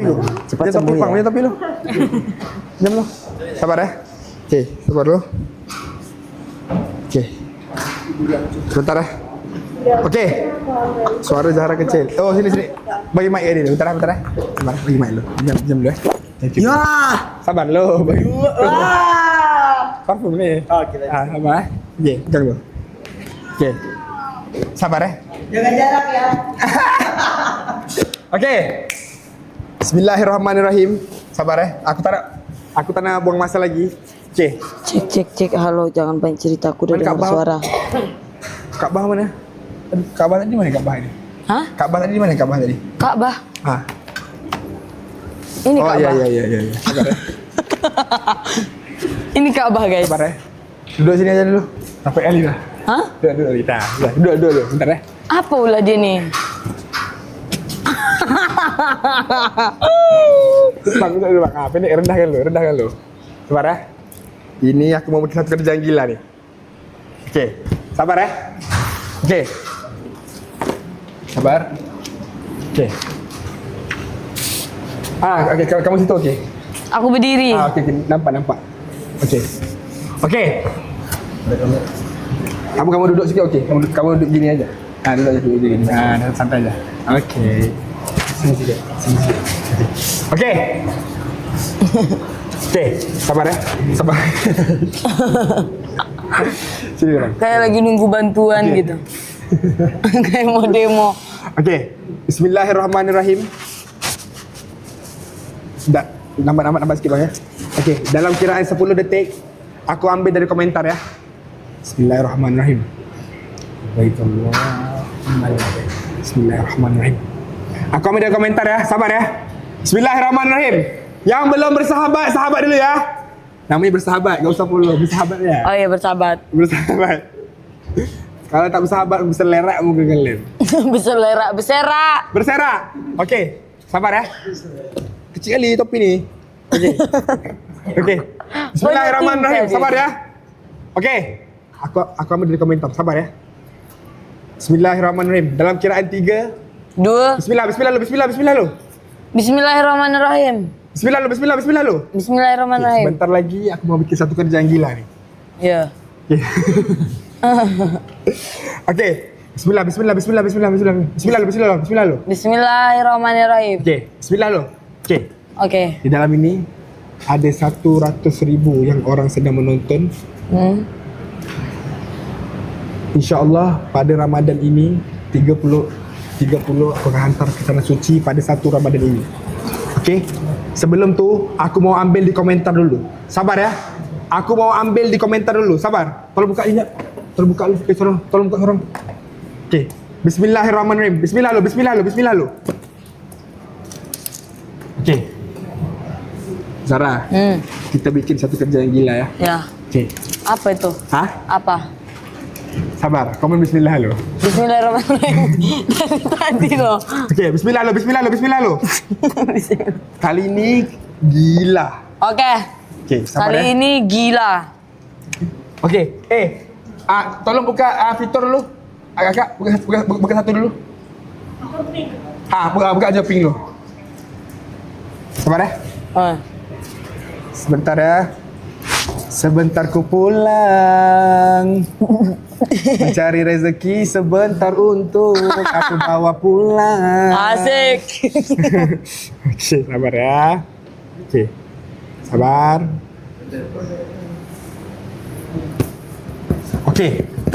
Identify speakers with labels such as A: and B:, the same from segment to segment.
A: Cepat
B: Dia
A: sembuh
B: topi, Bang.
A: ya.
B: Dia topi lu. Diam lu. Sabar ya. Oke, sabar lu. Oke. Bentar ya. Oke. Suara Zahra kecil. Oh, sini. Bagi mic dia dulu. Bentar ya. Sabar, bagi mic lu. Diam dulu ya.
A: Ya.
B: Sabar lu. Parfum ni.
A: Oke.
B: Sabar. Oke, jangan lu. Oke. Sabar ya.
A: Jaga jarak ya.
B: Oke. Bismillahirrahmanirrahim. Sabar ya. Aku tak nak buang masa lagi. Oke.
C: Cek. Halo, jangan banyak cerita. Aku udah dengar suara.
B: Ka'bah mana? Ka'bah tadi mana Ka'bah ini?
C: Hah?
B: Ka'bah tadi mana Ka'bah tadi?
C: Ka'bah.
B: Ah.
C: Ini
B: Oh
C: Ka'bah.
B: iya. Sabar ya.
C: Ini Ka'bah, guys.
B: Sabar ya. Duduk sini aja dulu. Sampai kali dah.
C: Hah?
B: Duduk kita. Duduk. Bentar ya.
C: Apa ulah dia nih?
B: Bang, duduk bang. Apa ini rendahkan lu. Sabar ya. Ini aku mau bikin satu kerjaan gila nih. Oke. Sabar ya. Oke. Sabar. Oke. Oke. Kamu situ oke.
C: Aku berdiri.
B: Oke. Nampak. Oke. Kamu duduk sikit oke. Kamu duduk gini aja. Duduk gini. Santai aja. Oke. Sini sikit. Oke. Oke, sabar ya. Sabar. Sini orang.
C: Kayak lagi nunggu bantuan gitu. Kayak mau demo.
B: Oke. Bismillahirrahmanirrahim. Nampak sikit bang ya. Oke, dalam kiraan 10 detik aku ambil dari komentar ya. Bismillahirrahmanirrahim. Bismillahirrahmanirrahim. Aku ambil dari komentar ya, sabar ya. Bismillahirrahmanirrahim. Yang belum bersahabat, sahabat dulu ya. Namanya bersahabat, gak usah follow, bersahabat ya.
C: Oh iya, bersahabat.
B: Bersahabat. Kalau tak bersahabat, berselerak muka kalian.
C: Berserak.
B: Berserak. Okey, sabar ya. Kecil kali topi ni. Okey. Bismillahirrahmanirrahim. Sabar ya. Okey. Aku ambil dari komentar. Sabar ya. Bismillahirrahmanirrahim. Dalam kiraan 3,
C: 2.
B: Bismillah lu.
C: Bismillahirrahmanirrahim.
B: Bismillah lu.
C: Bismillahirrahmanirrahim.
B: Sebentar lagi aku mau bikin satu kerjaan gila ni.
C: Ya.
B: Okey. Okey. Bismillah lu.
C: Bismillahirrahmanirrahim.
B: Okey. Bismillah lu. Okey.
C: Oke.
B: Di dalam ini ada 100,000 yang orang sedang menonton. InsyaAllah pada Ramadan ini 30 aku akan hantar ke tanah suci pada 1 Ramadan ini. Okey. Sebelum tu aku mau ambil di komentar dulu. Sabar ya. Aku mau ambil di komentar dulu. Sabar. Tolong buka ingat. Tolong buka lu. Tolong buka sorang. Okey. Bismillahirrahmanirrahim. Bismillah lu. Okey. Zara. Kita bikin satu kerjaan gila ya.
C: Ya.
B: Okey.
C: Apa itu?
B: Hah?
C: Apa?
B: Sabar. Komen bismillah lu.
C: Bismillahirrahmanirrahim. Dari tadi loh.
B: Okey, bismillah lu. Kali ini gila.
C: Oke.
B: Okey, sabar
C: Kali
B: ya.
C: ini gila.
B: Okey. Tolong buka fitur dulu. Kakak, buka satu dulu. Buka aja pink lu. Sabar ya. Sebentar ya. Sebentar ku pulang mencari rezeki sebentar untuk aku bawa pulang.
C: Asik.
B: Okey, sabar ya. Okey. Sabar. Okey.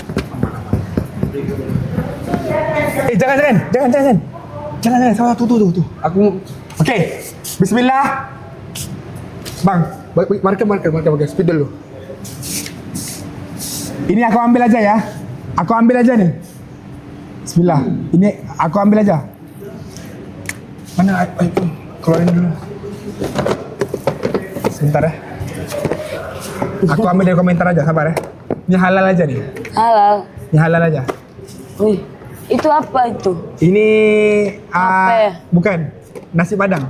B: Jangan. Sabar, tu. Aku okey. Bismillah. Bang, marker speed dulu. Ini aku ambil aja ya. Aku ambil aja nih. Bismillah. Ini aku ambil aja. Mana iPhone? Keluarin dulu. Sebentar ya. Aku ambil dari komentar aja, sabar ya. Ini halal aja nih.
C: Halal.
B: Ini halal aja.
C: Wih, itu apa itu?
B: Ini
C: Apa ya?
B: bukan nasi padang.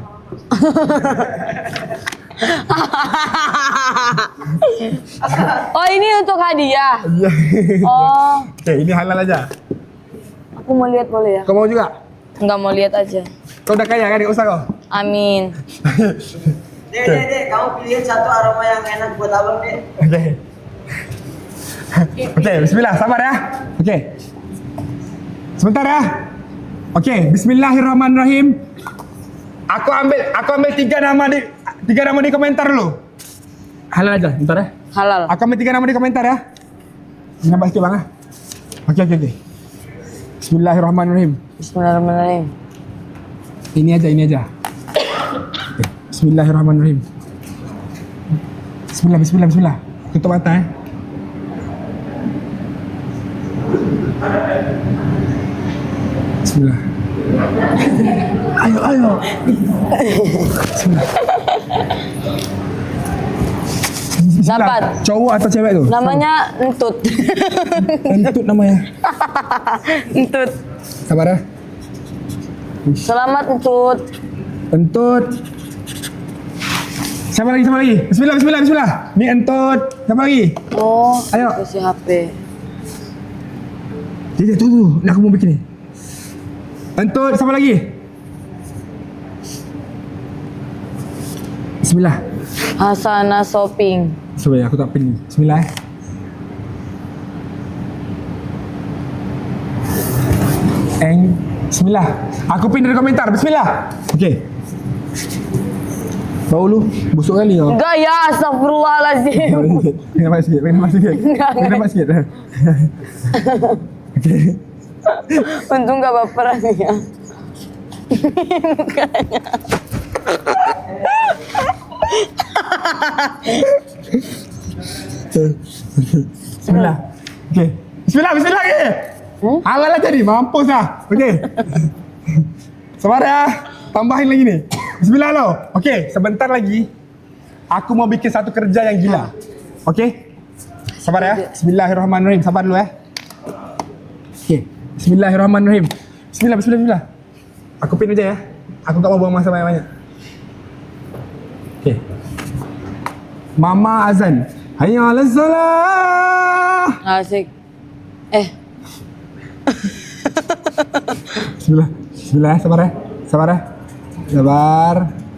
C: Oh, ini untuk hadiah.
B: Iya.
C: Oh,
B: Oke, ini halal aja.
C: aku mau lihat boleh ya?
B: Kau mau juga?
C: Enggak mau lihat aja.
B: Kau udah kaya kan? Gak usah kau.
C: Amin.
A: Dek, kamu pilihin satu aroma yang enak buat abang, Dek.
B: Okey. Okey, bismillah, sabar ya. Okey. Sebentar ya. Okey, bismillahirrahmanirrahim. Aku ambil tiga nama di komentar dulu. Halal aja, bentar ya.
C: Halal.
B: Aku ambil 3 nama di komentar ya. Nampak sikit bang ah. Okey. Bismillahirrahmanirrahim.
C: Bismillahirrahmanirrahim.
B: Ini aja. Okay. Bismillahirrahmanirrahim. Bismillah. Tutup mata eh. Bismillah. Ayo. Bismillah.
C: Dapat.
B: Cowok atau cewek tu?
C: Namanya Entut.
B: Entut namanya.
C: Entut.
B: Sabar ya.
C: Selamat Entut.
B: Entut. Siapa lagi? Bismillah. Ni Entut. Siapa lagi?
C: Oh,
B: Ayo.
C: kasih HP.
B: Jadi tu. Nak aku mau bikin ni. Entut, siapa lagi? Bismillah.
C: Hasana Shopping.
B: Sebenarnya aku tak pin ni. Bismillah eh. Bismillah. Aku pin dari komentar. Bismillah. Okey. Bau lu busuk kali kau.
C: Enggak ya, astagfirullahaladzim.
B: Nampak sikit. Nampak sikit. Okey.
C: Untung gak baperan ya.
B: Bismillah. Okey. Bismillah lagi. Halal lah tadi, mampus lah. Okey. Sabar ya. Tambahin lagi ni. Bismillah lo. Okey, sebentar lagi aku mau bikin satu kerja yang gila. Okey? Sabar ya. Bismillahirrahmanirrahim. Sabar dulu ya. Okey. Bismillahirrahmanirrahim. Bismillah. Aku pin aja ya. Aku tak mau buang masa banyak-banyak. Okey. Mama azan. Hayya 'alas salah.
C: Asik.
B: Bismillah, sabar ya. Sabar.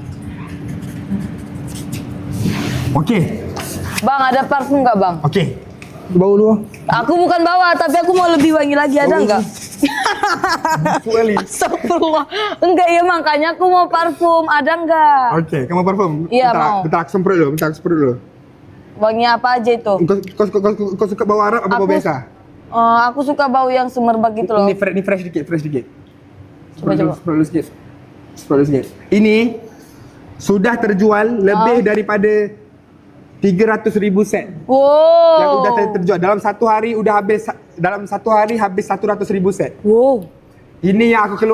B: Okey.
C: Bang, ada parfum gak bang?
B: Okey. Bau dulu.
C: Aku bukan bawa, tapi aku mau lebih wangi lagi, ada nggak?
B: Kali.
C: Astagfirullah. Enggak ya, makanya aku mau parfum, ada nggak?
B: Okey, kamu parfum?
C: Iya, mau.
B: Bentar, aku semprot dulu.
C: Wangi apa aja itu?
B: Kau suka bau Arab apa bau biasa?
C: Aku suka bau yang semerbak gitu loh.
B: Ini fresh dikit.
C: Coba.
B: Semprot dulu sikit. Ini sudah terjual lebih daripada 300,000 set.
C: Wow.
B: Yang sudah terjual dalam satu hari habis 100,000 set.
C: Wow.
B: Ini yang aku keluar